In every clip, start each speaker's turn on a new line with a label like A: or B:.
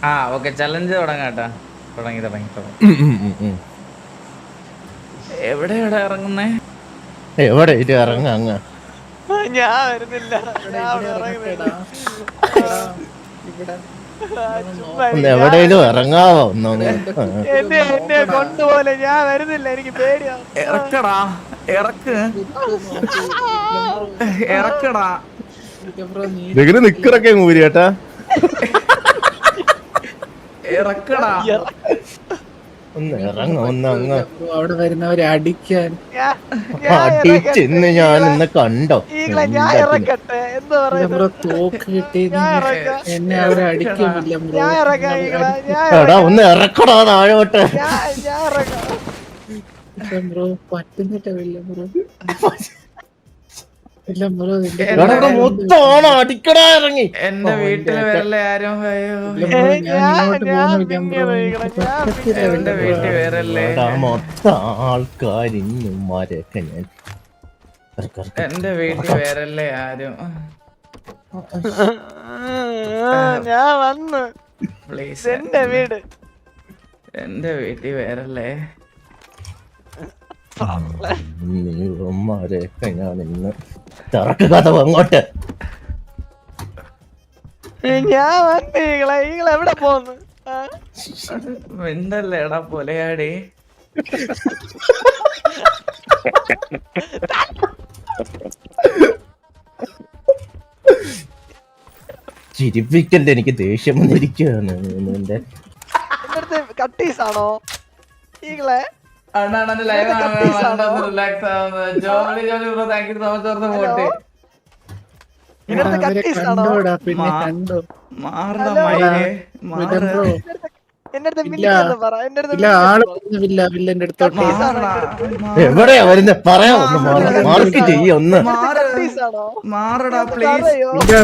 A: ആ okay challenge തുടങ്ങാട്ടാ. തുടങ്ങി തുടങ്ങി തുടങ്ങി. എവിടെ ഇറങ്ങുന്നേ?
B: എവിടെ ഇത് ഇറങ്ങ അങ്ങ്
C: ഞാൻ വരുന്നില്ല. ഞാൻ അവിടെ
D: ഇറങ്ങട്ടെടാ.
C: ഇറങ്ങുന്നില്ല.
D: ഇവിടെ
C: ചുമ്മാ
B: ഒന്ന്
C: ഞാൻ
B: എവിടെയെങ്കിലും ഇറങ്ങാവോ ഒന്നൊന്ന്
C: എന്നെ കൊണ്ടുപോലെ ഞാൻ വരുന്നില്ല. എനിക്ക് പേടിയാണ്.
A: ഇറക്കടാ, ഇറക്ക്, ഇറക്കടാ.
B: ഇതിന് നിക്കറൊക്കെ ഊരി കേട്ടാ.
A: ഇറക്കടാ.
B: ഒന്ന് ഇറങ്ങ ഒന്ന് അങ്ങ്
D: അവിടെ വരുന്നവരെ അടിക്കാൻ
B: അടിച്ചെന്ന് ഞാൻ ഇന്ന് കണ്ടോ.
C: ഞാൻ ഇറക്കട്ടെ എന്ന് പറയുന്നത്.
D: തോക്ക് കിട്ടി
C: ഞാൻ ഇറക്കാം.
D: എന്നെ അവരെ അടിക്കുന്നില്ല ബ്രോ.
C: ഞാൻ ഇറക്കാം.
B: എടാ ഒന്ന് ഇറക്കടാ താഴോട്ട്.
C: ഞാൻ ഇറക്കാം.
D: ബ്രോ പറ്റുന്നില്ല വില്ല ബ്രോ. ഇല്ല ബ്രോ
B: എടാ മൊത്തമാണ് അടിക്കടാ ഇറങ്ങി.
A: എന്റെ വീട്ടില് വരല്ലേ ആരും. അയ്യോ എന്റെ വീട്ടിൽ വരല്ലേ.
B: എടാ മൊത്തം ആൾക്കാരിന്മാരെയൊക്കെ ഞാൻ
A: എന്റെ വീട്ടിൽ വരല്ലേ ആരും.
C: ഞാൻ വന്നു.
A: പ്ലീസ്
C: എന്റെ വീട്.
A: എന്റെ വീട്ടിൽ വരല്ലേ.
B: നീമാരെയൊക്കെ ഞാൻ ഇന്ന് തിറക്കുക അങ്ങോട്ട്.
C: ഞാൻ വന്നു. എവിടെ പോന്നു?
A: മിണ്ടല്ലേ എടാ പൊലയാടി.
B: ചിരിപ്പിക്കല്ലേ, എനിക്ക് ദേഷ്യം വന്നിരിക്കുകയാണ്.
C: എന്റെ അടുത്ത് കട്ടീസാണോ ഈകളെ?
D: കണ്ടോടാ പിന്നെ കണ്ടോ. ഇല്ല ആള് പറഞ്ഞില്ല വില്ലന്റെ അടുത്തോട്ട്.
B: എവിടെയാ വരുന്നത് പറയാ. ഒന്ന് മാർക്ക് ചെയ്യ ഒന്ന്.
A: മാറടാ പ്ലീസ്.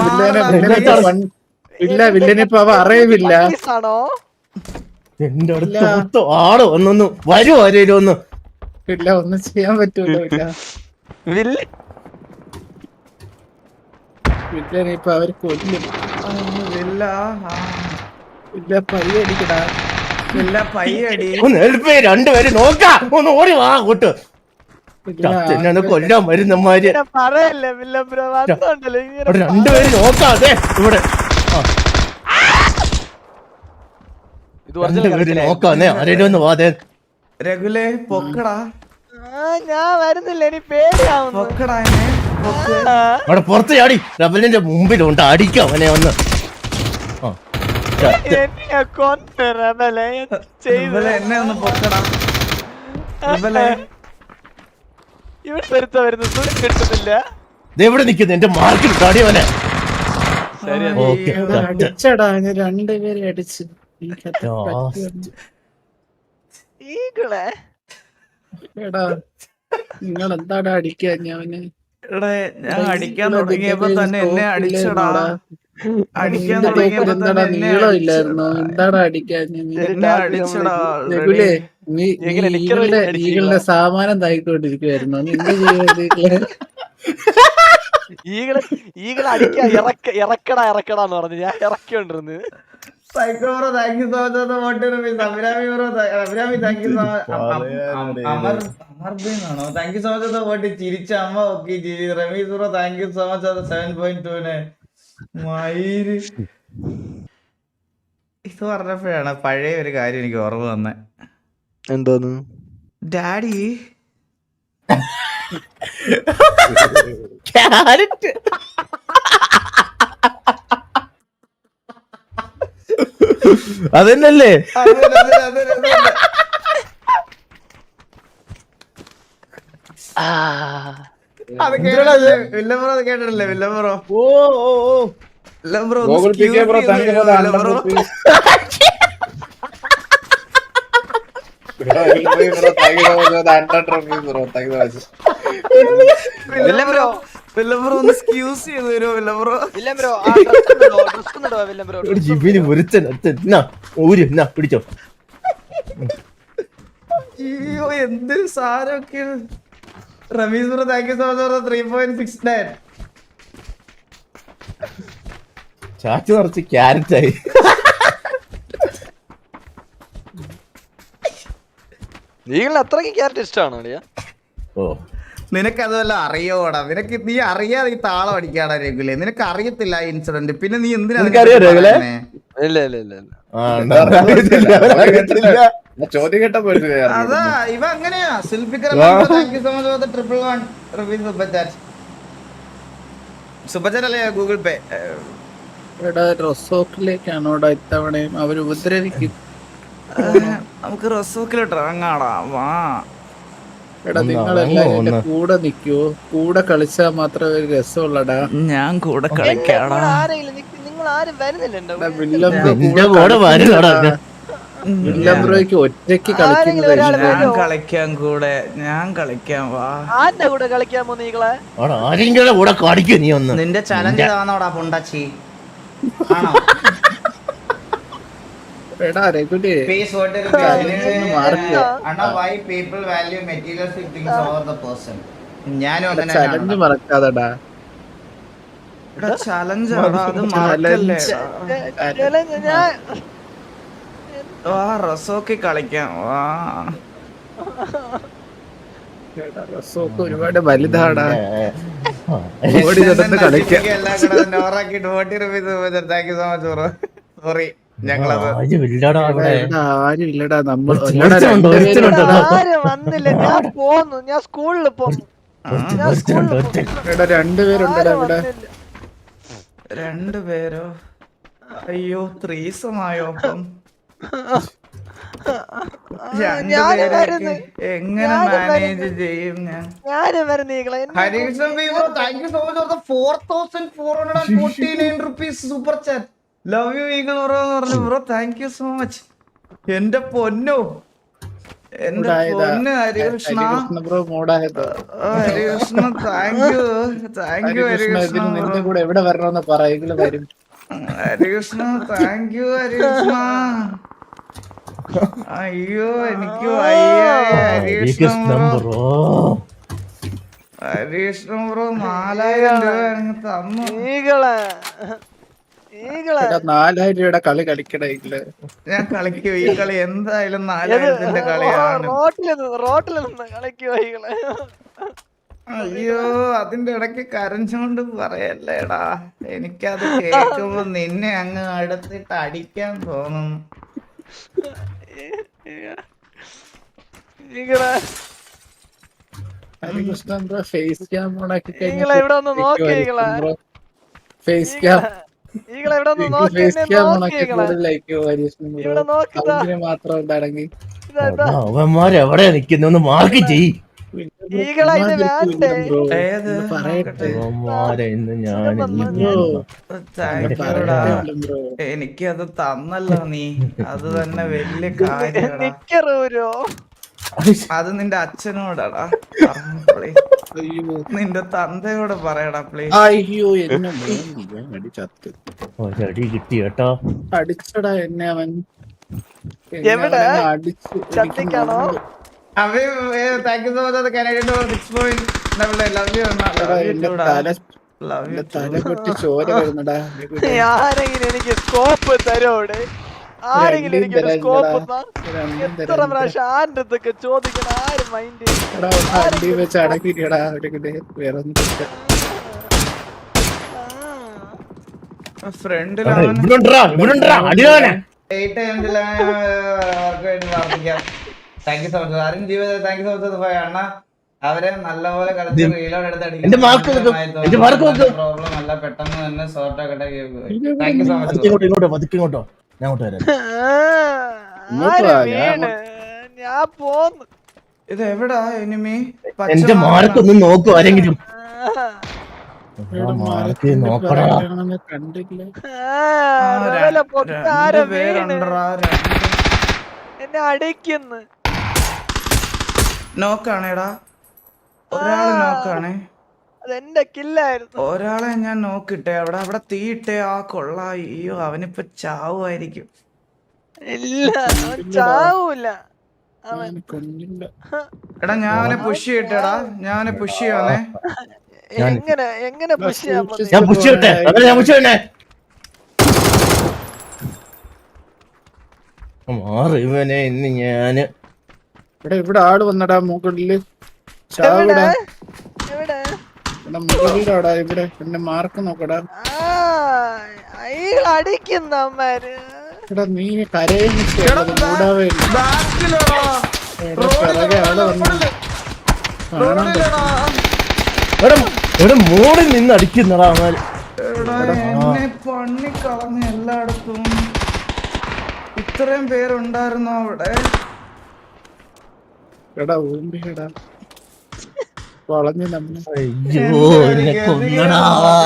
D: ഇല്ല വില്ലനിപ്പോ അവ അറിയില്ല.
B: എന്റെ അടുത്ത് മൊത്തം ആള് ഒന്നൊന്ന് വരൂ ആരേലും ഒന്ന്.
D: ഇല്ല ഒന്നും ചെയ്യാൻ പറ്റൂല. വില്ലനിപ്പോ അവര് കൊല്ലും. ഇല്ല പയ്യടിക്കടാ.
B: ഒന്ന് ഹെൽപ്പ് ചെയ്യ. രണ്ടുപേരും നോക്കാ. ഒന്ന് ഓടി വാ അങ്ങോട്ട്. എന്നെ കൊല്ലാൻ വരുന്നമാര് രണ്ടുപേരും നോക്കാതെ ഇവിടെ രണ്ടുപേര് നോക്കാന്നേ. ആരേലും ഒന്ന് വാതേ.
A: രഘുലേ പൊക്കടാ.
C: ഞാൻ വരുന്നില്ല. എനിക്ക് പേടിയാവുന്നു.
B: അവിടെ പുറത്ത് ചാടി. റബലിന്റെ മുമ്പിലുണ്ട്. അടിക്കാം അവനെ ഒന്ന്.
A: എന്നെ ഒന്ന് പൊക്കടാ.
C: കിട്ടുന്നില്ല.
B: എവിടെ നിക്കുന്നു? എന്റെ മാർക്കിൽ തടിയവനെ.
D: അടിച്ചടാ രണ്ടുപേരെ അടിച്ച്. എടാ നിങ്ങൾ എന്താടാ അടിക്കാൻ അവന്?
A: ഞാൻ അടിക്കാൻ തുടങ്ങിയപ്പോ തന്നെ എന്നെ അടിച്ചടാ. അടിക്കാൻ
D: എന്താടാ നീളം ഇല്ലായിരുന്നോ? എന്താടാ അടിക്കാൻ?
A: എന്നെ അടിച്ചടാ.
D: രഘുലേ നീ ഈകളുടെ സാമാനം തായിക്കൊണ്ടിരിക്കുവായിരുന്നോ? നീ എന്ത് ചെയ്യുന്നത്?
C: ഈകളെ അടിക്കാൻ ഇറക്കടാന്ന് പറഞ്ഞു. ഞാൻ ഇറക്കിക്കൊണ്ടിരുന്നു.
A: Psycho bro thank you so much for motivation. Abhirami bro Abhirami thank you so much. അമർബിനാണോ? Thank you so much for vote. ചിരിച്ച അമ്മ ഓക്കെ ചിരി. Rameez bro thank you so much. അത് 7.2 മയിര്. ഇത് പറഞ്ഞപ്പോഴാണ് പഴയ ഒരു കാര്യം എനിക്ക് ഓർമ്മ വന്നേ.
C: എന്തോന്ന്?
A: ഡാഡി
B: ക്യാരറ്റ് അതന്നല്ലേ?
A: അത് കേട്ടല്ലേ വില്ലബ്രോ? അത് കേട്ടിട്ടില്ലേ വില്ലബ്രോ?
B: ഓ ഓ ഓ
A: വില്ലബ്രോ
B: ജിബിന് ഒരുത്തൻ പിടിച്ചോ.
A: അയ്യോ എന്തൊരു സാധനമൊക്കെയാണ്. Rameez bro thank you so much 3.69.
B: ചാച്ചു നിറച്ച് ക്യാരറ്റ് ആയി.
C: ഈഗിളിന് അത്രയ്ക്ക് ക്യാരക്ടർ ഇഷ്ടമാണോ അളിയാ?
B: ഓ
A: നിനക്ക് അതുവല്ല അറിയോടാ? നീ അറിയാതെ ഈ താളം അടിക്കാടാ രഘുലെ. നിനക്ക് അറിയത്തില്ല ആ ഇൻസിഡന്റ്, പിന്നെ നീ എന്തിനാ
B: നിനക്കറിയോ രഘുലെ?
C: ഇല്ല ഇല്ല ഇല്ല ഇല്ല.
D: ചോദ്യം കേട്ടപ്പോ
A: അതാ ഇവ അങ്ങനെയാ. Zulfikar thank you so much for the 111 rupees super chat. Super chat അല്ലേ ഗൂഗിൾ പേ?
D: എടാ റൊസോക്കിലേക്കാണോടാ ഇത്തവണയും അവര് ഉപദ്രവിക്കും.
A: നമുക്ക് റൊസോക്കിലോട്ട് ഇറങ്ങാടാ, വാ.
D: എടാ നിങ്ങളെല്ലാരും എന്റെ കൂടെ നിക്കോ? കൂടെ കളിച്ചാ മാത്രമേ ഒരു രസമുള്ളടാ.
A: ഞാൻ കൂടെ
C: എന്റെ
A: കളിക്കാടാ.
C: കൂടെ ആരെങ്കിലും നിങ്ങൾ ആരും വരുന്നില്ലല്ലോ.
D: വില്ലം ബ്രോയ്ക്ക് ഒറ്റയ്ക്ക് കളിക്കുന്നത്
A: ഞാൻ കളിക്കാൻ കൂടെ, ഞാൻ കളിക്കാൻ, വാ.
C: ആരുടെ കൂടെ കളിക്കാൻ പോന്ന് ഈകളെ?
B: ആരെങ്കിലും കൂടെ കാണിക്കൂ നീ ഒന്ന്.
A: നിന്റെ ചലഞ്ച് താന്നോടാ പൊണ്ടാച്ചി, ആണോ?
D: എടാ രഘുലേ
A: Face what is Anna, why people value materialistic things over the person? ഞാനും അങ്ങനെ
D: ചലഞ്ച് മറക്കാതെടാ.
A: ചലഞ്ച് ആടാ, അത് മറക്കല്ലേ.
C: ഞാൻ
A: വാ റസോക്കി കളിക്കാം, വാ.
D: റൊസോക്ക് ഒരുപാട് വലുതാടാ. ഓടി നടന്ന് കളിക്കാം.
A: സോറി, ഞങ്ങളത്
D: ആരും ഇല്ലടാ. നമ്മൾ
C: ആരും വന്നില്ല. ഞാൻ പോന്നു, ഞാൻ സ്കൂളിൽ പോന്നു.
D: രണ്ടുപേരുണ്ടടാ ഇവിടെ.
A: രണ്ടുപേരോ? അയ്യോ, ത്രീസമായോ? അപ്പം രണ്ടുപേരൊക്കെ എങ്ങനെ മാനേജ് ചെയ്യും ഞാൻ?
C: ഞാനും വരുന്ന ഈകളെ.
A: Harishan thank you so much for the 4449 rupees super chat. Love you eagle bro എന്ന് പറഞ്ഞു. Bro thank you so much. എന്റെ പൊന്നോ, എന്റെ പൊന്ന് ഹരികൃഷ്ണ.
D: ബ്രോ മോഡായത്.
A: Harikrishna thank you, thank you Harikrishna.
D: നിന്റെ കൂടെ എവിടെ വരണമെന്ന് പറയുക വരും.
A: Harikrishna thank you Harikrishna. അയ്യോ എനിക്ക് വയ്യ ഹരികൃഷ്ണ ബ്രോ. ഹരികൃഷ്ണ ബ്രോ 4000 രൂപ എനിക്ക് തന്നു.
C: ഈകളെ
D: 4000 രൂപയുടെ കളി കളിക്കണേങ്കില്
A: ഞാൻ കളിക്കും ഈ കളി. എന്തായാലും 4000ന്റെ കളിയാണ്.
C: റോട്ടിൽ നിന്ന് കളിക്കുവോ ഈകളെ?
A: അയ്യോ, അതിന്റെ ഇടയ്ക്ക് കരഞ്ഞോണ്ട് പറയല്ലേടാ. എനിക്കത് കേൾക്കുമ്പോ നിന്നെ അങ്ങ് അടുത്തിട്ട് അടിക്കാൻ തോന്നുന്നു.
C: ഈകളെ
D: ഹരികൃഷ്ണൻ ബ്രോ ഫേസ് ക്യാം ഓണാക്കി
C: ഈകളെ ഇവിടെ ഒന്ന് നോക്കി ഈകളെ.
D: ഫേസ് ക്യാം
C: ഈകളെ ഇവിടെ ഒന്ന് നോക്കി
D: ഫേസ് ക്യാം ഓണാക്കി ലൈക്ക് ഹരികൃഷ്ണൻ ബ്രോ.
C: ഇവിടെ നോക്കിതാ.
D: അതിന് മാത്രം ഉണ്ടാണെങ്കിൽ
B: അവന്മാരെവിടെ നിൽക്കുന്നു മാർക്ക് ചെയ്.
C: ഈകളെ ഇത് വേണ്ടേ?
D: പറയട്ടെ
B: അവന്മാരെ ഇന്ന് ഞാൻ
A: എനിക്കത് തന്നല്ലോ നീ, അത് തന്നെ വലിയ കാര്യടാ.
C: നിക്കറൂരോ?
A: അത് നിന്റെ അച്ഛനോടാടാ. നിന്റെ തന്തയോട് പറയടാ പ്ലീസ്.
D: അയ്യോ എന്നെ അടിച്ചത്ത്
B: ഒരടി കിട്ടി കേട്ടോ.
D: അടിച്ചടാ എന്നെ അവൻ.
C: എവിടെ?
D: അടിച്ചു
C: ചത്തിക്കാണോ?
A: Thank you so much. Canada 6 love you
D: തല പൊട്ടി ചോര വരുന്നടാ.
C: ആരെങ്കിലും എനിക്ക് സ്കോപ്പ് തരോടെ? ആരെങ്കിലും എനിക്ക് സ്കോപ്പ് എത്ര പ്രാവശ്യം ആരുടെ അടുത്തൊക്കെ ചോദിക്കണം? ആരും മൈൻഡ്
D: അടി വെച്ച് അടക്കിടാ. വേറെ
A: ഫ്രണ്ടിലാണ് താങ്ക് യു സോ മച്ച്. ആരും ജീവിതം താങ്ക് യു സോ മച്ച് അണ്ണ. അവരെ നല്ലപോലെ കളിച്ച് റീലോഡ് എടുത്ത് അടിക്കുന്ന പ്രോബ്ലം അല്ല, പെട്ടെന്ന് തന്നെ സോർട്ട് ആക്കട്ടെ. Thank you so much.
B: ഇങ്ങോട്ടോ ഞാൻ അങ്ങോട്ട് വരാം.
C: ഞാൻ പോന്നു.
A: ഇത് എവിടാ എനിമി?
B: എന്റെ മാർക്കൊന്നും നോക്കൂ ആരെങ്കിലും.
D: കണ്ടില്ല.
C: എന്നെ അടിക്കുന്നു.
A: നോക്കാണേടാ, ഒരാള് നോക്കാണേ.
C: അതെന്റെ കില്ലായിരുന്നു.
A: ഒരാളെ ഞാൻ നോക്കിട്ടെ. അവിടെ തീയിട്ടെ. ആ കൊള്ള. അയ്യോ, അവനിപ്പോ ചാവുമായിരിക്കും.
C: ഇല്ല, ചാവൂല.
A: എടാ ഞാൻ അവനെ പുഷ് ചെയ്യട്ടെടാ. ഞാൻ അവനെ പുഷ് ചെയ്യാന്നേ.
C: എങ്ങനെ പുഷ് ചെയ്യാൻ
B: മാറി ഇവനെ ഇന്ന് ഞാന്
D: ഇവിടെ ആള് വന്നടാ മുകളില്.
C: എവിടെ
D: ചാവിടാ.
C: എവിടെ
D: ഇവിടെ മുകളിലാടാ. ഇവിടെ എന്റെ മാർക്ക് നോക്കടാ.
C: അയാൾ അടിക്കുന്ന അമ്മര്.
D: എടാ നീ കരയുന്നത് മൂടാവേ.
A: ബാക്കിലെടാ.
D: പിറകെ ആള് വന്നു. കാണാൻ
A: റോഡിലെടാ.
B: ഇവിടെ മോളിൽ നിന്ന് അടിക്കുന്നടാ അവൻ.
A: എടാ, എന്നെ പണി കളഞ്ഞ എല്ലായിടത്തും. ഇത്രയും പേരുണ്ടായിരുന്നോ അവിടെ?
D: എടാ ഊമ്പിടാ വളഞ്ഞു നമ്മള്.
B: അയ്യോ എന്നെ കൊന്നടാ.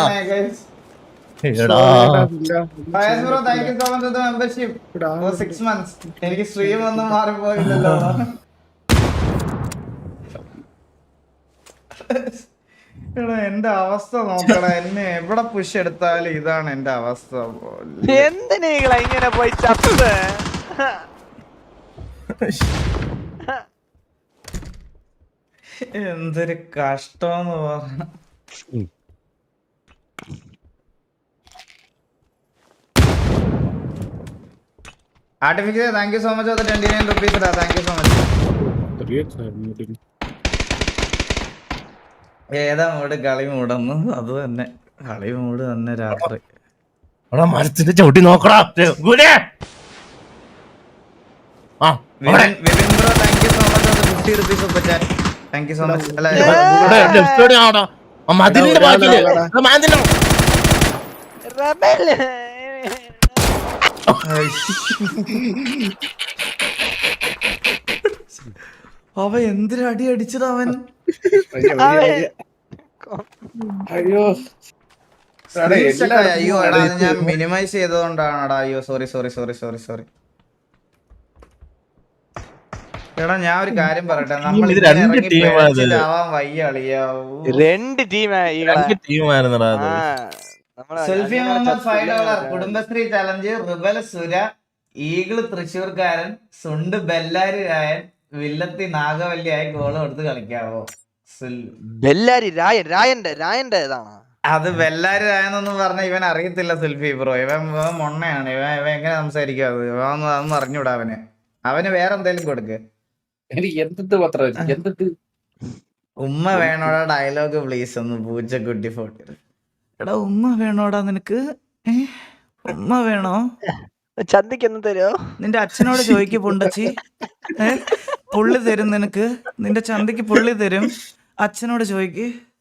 B: എടാ
A: മെമ്പർഷിപ്പ് 6 months. എനിക്ക് സ്ട്രീം ഒന്നും മാറിപ്പോയില്ലല്ലോ. എടാ എന്റെ അവസ്ഥ നോക്കടാ. എന്നെ എവിടെ പുഷ് എടുത്താലും ഇതാണ് എന്റെ അവസ്ഥ.
C: എന്തിനാ ഇങ്ങനെ പോയി ചത്ത്?
A: എന്തൊരു കഷ്ടമെന്ന് പറഞ്ഞ. Artificial thank you so much. 29 rupees. Thank you so much. ഏതാ മൂട്? കളി മൂടന്ന്. അത് തന്നെ കളി മൂട് തന്നെ രാത്രി.
B: എടാ മരത്തിന്റെ ചവിട്ടി നോക്കടാ.
A: Vipin bro thank you so much. 50 rupees super chat. Thank you so much.
B: മതിലിന്റെ ബാക്കില്
C: റബൽ.
A: അവ എന്തൊരു അടി അടിച്ചത് അവൻ.
D: അയ്യോ
A: അയ്യോ എടാ അത് ഞാൻ മിനിമൈസ് ചെയ്തതുകൊണ്ടാണടാ. അയ്യോ സോറി. എടാ ഞാൻ ഒരു കാര്യം പറയട്ടെ. നമ്മൾ ആവാൻ വയ്യ അളിയാവൂ.
C: 2 ടീമായിരുന്നടാ.
A: Selfie Muhammad $5. Kudumbashree challenge. Rebel Sura, eagle തൃശ്ശൂർക്കാരൻ, സുണ്ട് ബെല്ലാരി രായൻ, വില്ലത്തി നാഗവല്ലിയായി ഗോള് കൊടുത്ത് കളിക്കാവോ?
C: ബെല്ലാരി രായന്റെ ഏതാണ്?
A: അത് ബെല്ലാരി രായെന്നൊന്നും പറഞ്ഞ ഇവൻ അറിയത്തില്ല സെൽഫി ബ്രോ. ഇവൻ മൊണ്ണയാണ്. ഇവൻ എങ്ങനെ സംസാരിക്കും? അതൊന്നും അറിഞ്ഞൂടാ അവന് വേറെ എന്തേലും കൊടുക്ക്. ഉമ്മ വേണോടാ ഡയലോഗ് പ്ലീസ് ഒന്ന്. പൂച്ചക്കുട്ടി 40. എടാ ഉമ്മ വേണോടാ നിനക്ക്? ഉമ്മ വേണോ?
C: ചന്തിക്ക് എന്ന് തരുമോ?
A: നിന്റെ അച്ഛനോട് ചോദിക്ക് പുണ്ടച്ചി. പുള്ളി തരും നിനക്ക്. നിന്റെ ചന്തിക്ക് പുള്ളി തരും. അച്ഛനോട് ചോദിക്ക്.